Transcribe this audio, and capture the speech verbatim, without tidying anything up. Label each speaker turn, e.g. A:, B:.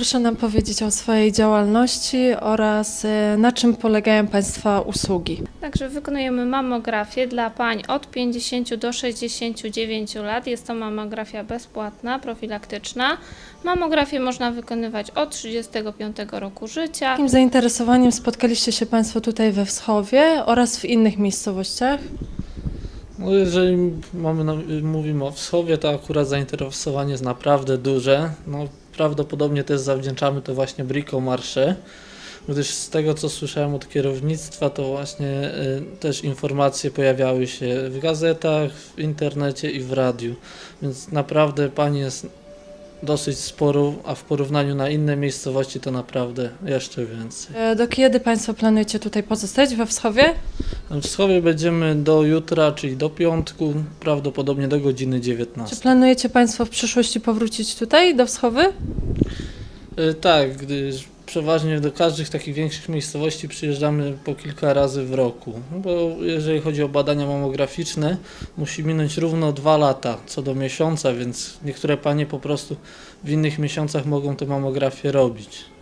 A: Proszę nam powiedzieć o swojej działalności oraz e, na czym polegają Państwa usługi.
B: Także wykonujemy mammografię dla pań od pięćdziesięciu do sześćdziesięciu dziewięciu lat. Jest to mammografia bezpłatna, profilaktyczna. Mammografię można wykonywać od trzydziestego piątego roku życia.
A: Jakim zainteresowaniem spotkaliście się Państwo tutaj we Wschowie oraz w innych miejscowościach?
C: No jeżeli mamy na, mówimy o Wschowie, to akurat zainteresowanie jest naprawdę duże. No, prawdopodobnie też zawdzięczamy to właśnie Bricomarché, gdyż z tego co słyszałem od kierownictwa, to właśnie y, też informacje pojawiały się w gazetach, w internecie i w radiu, więc naprawdę pani jest dosyć sporo, a w porównaniu na inne miejscowości to naprawdę jeszcze więcej.
A: E, Do kiedy Państwo planujecie tutaj pozostać we Wschowie?
C: W Wschowie będziemy do jutra, czyli do piątku, prawdopodobnie do godziny
A: Czy
C: dziewiętnastej.
A: planujecie Państwo w przyszłości powrócić tutaj do Wschowy?
C: Y, Tak, gdyż przeważnie do każdych takich większych miejscowości przyjeżdżamy po kilka razy w roku, bo jeżeli chodzi o badania mammograficzne, musi minąć równo dwa lata co do miesiąca, więc niektóre panie po prostu w innych miesiącach mogą tę mammografię robić.